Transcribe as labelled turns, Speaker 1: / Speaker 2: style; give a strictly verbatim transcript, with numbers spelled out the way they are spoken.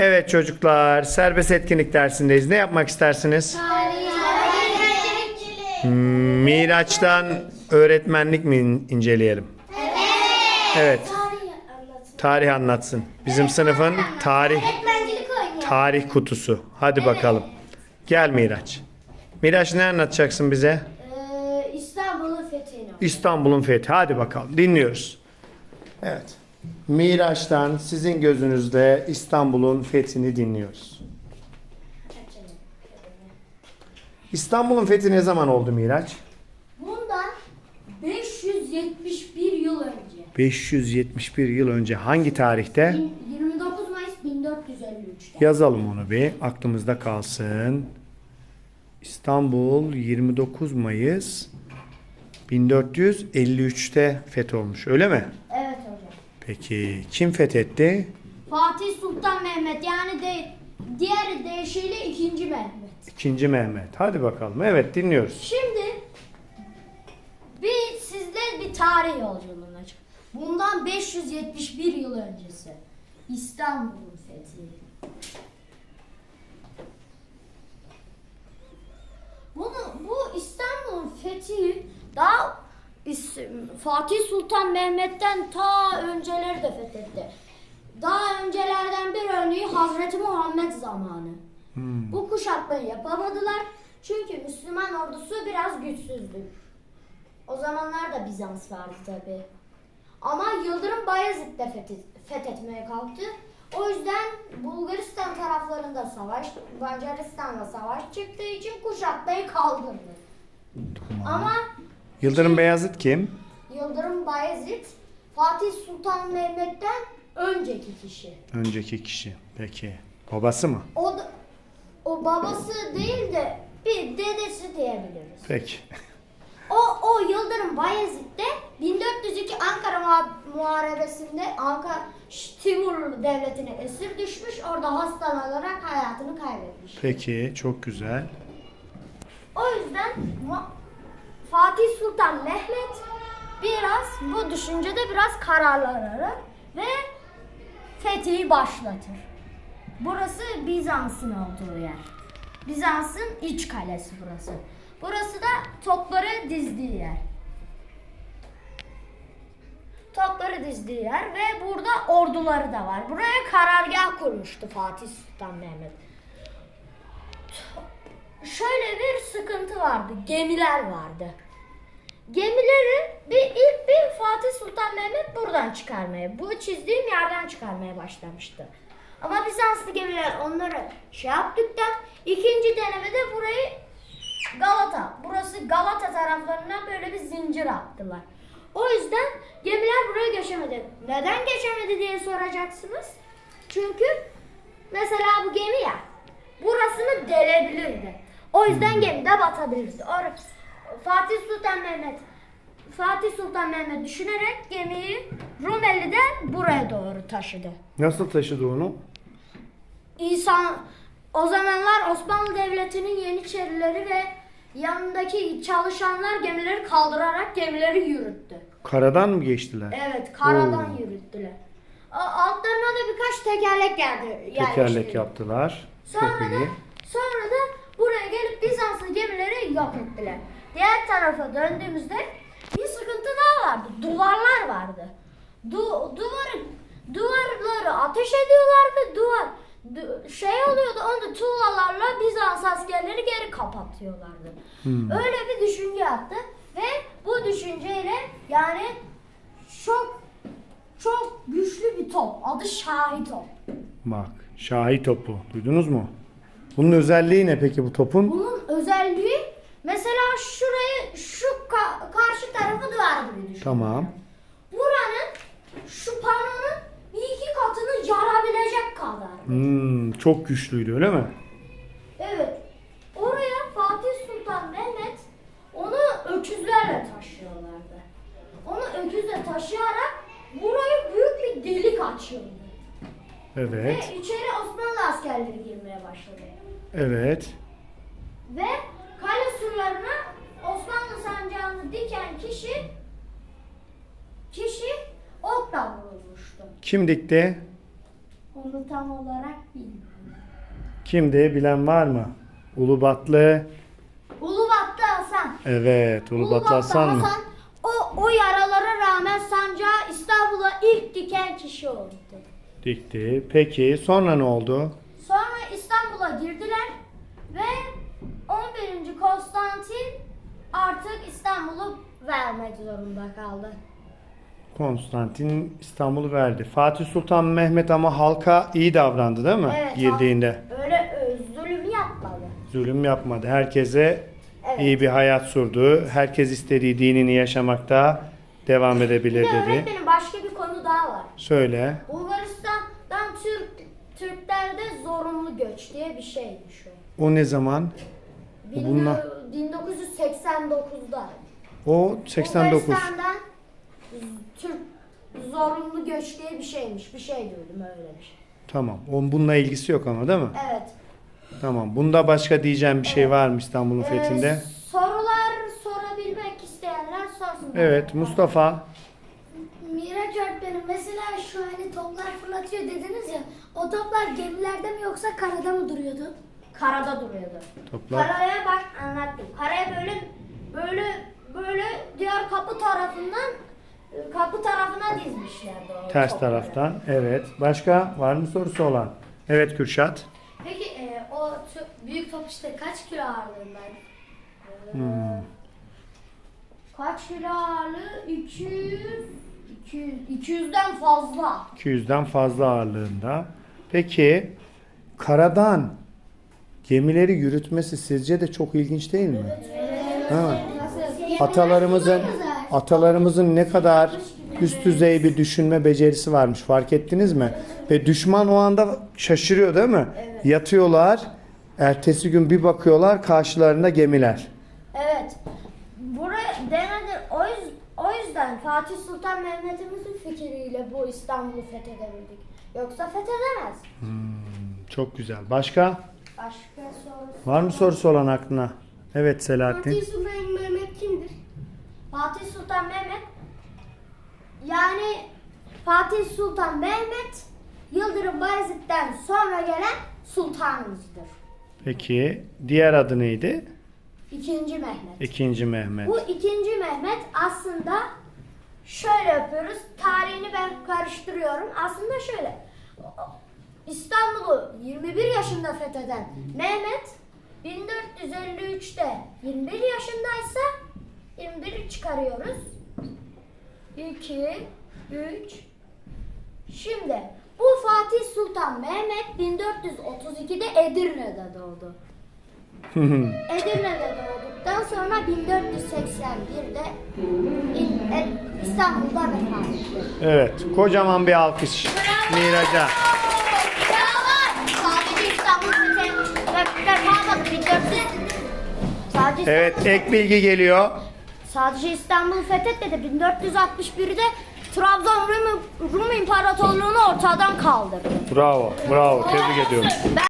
Speaker 1: Evet çocuklar, serbest etkinlik dersindeyiz. Ne yapmak istersiniz? Hmm, Miraç'tan öğretmenlik mi in- inceleyelim? Evet. Tarih anlatsın. Bizim sınıfın tarih tarih kutusu. Hadi bakalım. Gel Miraç. Miraç ne anlatacaksın bize?
Speaker 2: Ee, İstanbul'un fethini.
Speaker 1: İstanbul'un fethi. Hadi bakalım. Dinliyoruz. Evet. Miraç'tan sizin gözünüzde İstanbul'un fethini dinliyoruz. İstanbul'un fethi ne zaman oldu Miraç?
Speaker 2: Bundan beş yüz yetmiş bir yıl önce.
Speaker 1: beş yüz yetmiş bir yıl önce hangi tarihte?
Speaker 2: yirmi dokuz Mayıs bin dört yüz elli üç'te.
Speaker 1: Yazalım onu bir. Aklımızda kalsın. İstanbul yirmi dokuz Mayıs bin dört yüz elli üç'te fetholmuş. Öyle mi?
Speaker 2: Evet hocam.
Speaker 1: Peki kim fethetti?
Speaker 2: Fatih Sultan Mehmet, yani de, diğer deyişiyle ikinci Mehmet.
Speaker 1: İkinci Mehmet. Hadi bakalım. Evet dinliyoruz.
Speaker 2: Şimdi bir sizde bir tarih yolculuğuna olacak. Bundan beş yüz yetmiş bir yıl öncesi İstanbul'un fethi. Bunu bu İstanbul'un fethi daha İs- Fatih Sultan Mehmet'ten ta önceleri de fethetti. Daha öncelerden bir örneği Hazreti Muhammed zamanı.
Speaker 1: Hmm.
Speaker 2: Bu kuşatmayı yapamadılar. Çünkü Müslüman ordusu biraz güçsüzdü. O zamanlar da Bizans vardı tabi. Ama Yıldırım Bayezid de fethi- fethetmeye kalktı. O yüzden Bulgaristan taraflarında savaş, Macaristan'la savaş çıktığı için kuşatmayı kaldırdı. Ama
Speaker 1: Yıldırım Beyazıt kim?
Speaker 2: Yıldırım Bayezid Fatih Sultan Mehmet'ten önceki kişi.
Speaker 1: Önceki kişi. Peki. Babası mı?
Speaker 2: O da, o babası değil de bir dedesi diyebiliriz.
Speaker 1: Peki.
Speaker 2: O o Yıldırım Bayezid de bin dört yüz iki Ankara Muha- Muharebesi'nde Ankara Timur Devleti'ne esir düşmüş. Orada hastalanarak hayatını kaybetmiş.
Speaker 1: Peki. Çok güzel.
Speaker 2: O yüzden Mu- Fatih Sultan Mehmet biraz bu düşüncede biraz kararlanır ve fethi başlatır. Burası Bizans'ın olduğu yer. Bizans'ın iç kalesi burası. Burası da topları dizdiği yer. Topları dizdiği yer ve burada orduları da var. Buraya karargah kurmuştu Fatih Sultan Mehmet. Şöyle bir sıkıntı vardı. Gemiler vardı. Gemileri bir ilk bir Fatih Sultan Mehmet buradan çıkarmaya, bu çizdiğim yerden çıkarmaya başlamıştı. Ama Bizanslı gemiler onları şey yaptıktan ikinci denemede burayı Galata, burası Galata taraflarından böyle bir zincir attılar. O yüzden gemiler buraya geçemedi. Neden geçemedi diye soracaksınız. Çünkü mesela bu gemi ya, burasını delebilirdi. O yüzden gemi de batabilirdi. Or Fatih Sultan Mehmet Fatih Sultan Mehmet düşünerek gemiyi Rumeli'den buraya doğru taşıdı.
Speaker 1: Nasıl taşıdı onu?
Speaker 2: İnsan o zamanlar Osmanlı Devleti'nin Yeniçerileri ve yanındaki çalışanlar gemileri kaldırarak gemileri yürüttü.
Speaker 1: Karadan mı geçtiler?
Speaker 2: Evet, karadan
Speaker 1: Oo.
Speaker 2: yürüttüler. A- Altlarına da birkaç tekerlek geldi.
Speaker 1: Tekerlek yaptılar.
Speaker 2: Sonra
Speaker 1: Çok
Speaker 2: da,
Speaker 1: iyi.
Speaker 2: sonra da buraya gelip Bizanslı gemileri yok ettiler. Diğer tarafa döndüğümüzde bir sıkıntı daha vardı. Duvarlar vardı. Du duvarı duvarları ateş ediyorlardı. Duvar du şey oluyordu. Onu tuğlalarla Bizans askerleri geri kapatıyorlardı.
Speaker 1: Hmm.
Speaker 2: Öyle bir düşünce yaptı ve bu düşünceyle yani çok çok güçlü bir top. Adı Şahi top.
Speaker 1: Bak. Şahi topu. Duydunuz mu? Bunun özelliği ne peki bu topun?
Speaker 2: Bunun özelliği mesela şurayı şu ka- karşı tarafı duvar gibi düşün.
Speaker 1: Tamam.
Speaker 2: Buranın şu panonun bir iki katını yarabilecek kadar.
Speaker 1: Hmm, çok güçlüydü öyle mi?
Speaker 2: Evet. Oraya Fatih Sultan Mehmet onu öküzlerle taşıyorlardı. Onu öküzle taşıyarak burayı büyük bir delik açıyordu.
Speaker 1: Evet.
Speaker 2: Ve içeri Osmanlı askerleri girmeye başladı.
Speaker 1: Evet.
Speaker 2: Ve kale surlarına Osmanlı sancağını diken kişi kişi okla vurulmuştu.
Speaker 1: Kim dikti?
Speaker 2: Onu tam olarak bilmiyorum.
Speaker 1: Kimdi? Bilen var mı? Ulubatlı.
Speaker 2: Ulubatlı Hasan.
Speaker 1: Evet, Ulubatlı Hasan mı?
Speaker 2: o, o yaralara rağmen sancağı İstanbul'a ilk diken kişi oldu.
Speaker 1: Dikti. Peki sonra ne oldu?
Speaker 2: Sonra İstanbul'a girdiler ve on birinci Konstantin artık İstanbul'u vermek zorunda kaldı.
Speaker 1: Konstantin İstanbul'u verdi. Fatih Sultan Mehmet ama halka iyi davrandı değil mi?
Speaker 2: Evet,
Speaker 1: Girdiğinde.
Speaker 2: Öyle e, zulüm yapmadı.
Speaker 1: Zulüm yapmadı. Herkese
Speaker 2: Evet.
Speaker 1: iyi bir hayat sürdü. Herkes istediği dinini yaşamakta devam
Speaker 2: Bir
Speaker 1: edebilir
Speaker 2: de
Speaker 1: dedi.
Speaker 2: öğretmenim başka bir konu daha var.
Speaker 1: Söyle.
Speaker 2: Bulgaristan'dan Türk Türklerde zorunlu göç diye bir şeymiş o.
Speaker 1: O ne zaman?
Speaker 2: Bin-
Speaker 1: Bunlar-
Speaker 2: bin dokuz yüz seksen dokuzda.
Speaker 1: O seksen dokuz.
Speaker 2: Bulgaristan'dan Türk zorunlu göç diye bir şeymiş. Bir şey duydum öyle bir şey.
Speaker 1: Tamam. Onun bununla ilgisi yok ama değil mi?
Speaker 2: Evet.
Speaker 1: Tamam. Bunda başka diyeceğim bir şey var mı İstanbul'un
Speaker 2: Ee,
Speaker 1: fethinde?
Speaker 2: sorular sorabilmek isteyenler sorsun.
Speaker 1: Evet. Mustafa.
Speaker 3: Miraç öğretmenim, mesela şu hani toplar fırlatıyor dediniz ya, o toplar gemilerde mi yoksa karada mı duruyordu?
Speaker 2: Karada duruyordu.
Speaker 1: Toplar.
Speaker 2: Karaya bak anlattım. Karaya böyle böyle böyle diğer kapı tarafından kapı tarafına dizmişlerdi o
Speaker 1: Ters
Speaker 2: topları.
Speaker 1: taraftan. Evet. Başka var mı sorusu olan? Evet Kürşat.
Speaker 3: Peki e, o tü- büyük top işte kaç kilo ağırlığındaydı?
Speaker 1: Hmm.
Speaker 2: Kaç kilo ağırlığı? iki yüz iki yüz iki yüzden fazla.
Speaker 1: iki yüzden fazla ağırlığında. Peki karadan gemileri yürütmesi sizce de çok ilginç değil mi? Ha. Atalarımızın atalarımızın ne kadar üst düzey bir düşünme becerisi varmış fark ettiniz mi? Ve düşman o anda şaşırıyor değil mi? Yatıyorlar. Ertesi gün bir bakıyorlar karşılarında gemiler.
Speaker 2: Evet. Buraya denedi. O, yüz, o yüzden Fatih Sultan Mehmet'imizin fikriyle bu İstanbul'u fethedebildik. Yoksa fethedemez.
Speaker 1: Çok güzel. Başka?
Speaker 2: Başka soru.
Speaker 1: Var mı sorusu olan aklına? Evet Selahattin.
Speaker 3: Fatih Sultan Mehmet kimdir?
Speaker 2: Fatih Sultan Mehmet yani Fatih Sultan Mehmet Yıldırım Bayezid'den sonra gelen sultanımızdır.
Speaker 1: Peki diğer adı neydi?
Speaker 2: İkinci Mehmet.
Speaker 1: İkinci Mehmet.
Speaker 2: Bu ikinci Mehmet aslında şöyle yapıyoruz. Tarihini ben karıştırıyorum. Aslında şöyle. İstanbul'u yirmi bir yaşında fetheden Mehmet bin dört yüz elli üçte yirmi bir yaşındaysa yirmi biri çıkarıyoruz. iki, üç. Şimdi bu Fatih Sultan Mehmet bin dört yüz otuz ikide Edirne'de doğdu. Edirne'de doğduktan sonra bin dört yüz seksen birde İ- E- İstanbul'da vefat etti.
Speaker 1: Evet. Kocaman bir alkış. Miraç'a.
Speaker 2: Sadece İstanbul fethedilmedi. bin dört yüz Sadece
Speaker 1: Evet ek bilgi geliyor.
Speaker 2: Sadece İstanbul fethetmedi. bin dört yüz altmış birde Trabzon Rum, Rum İmparatorluğunu ortadan kaldırdı.
Speaker 1: Bravo. Bravo. Tebrik ediyorum.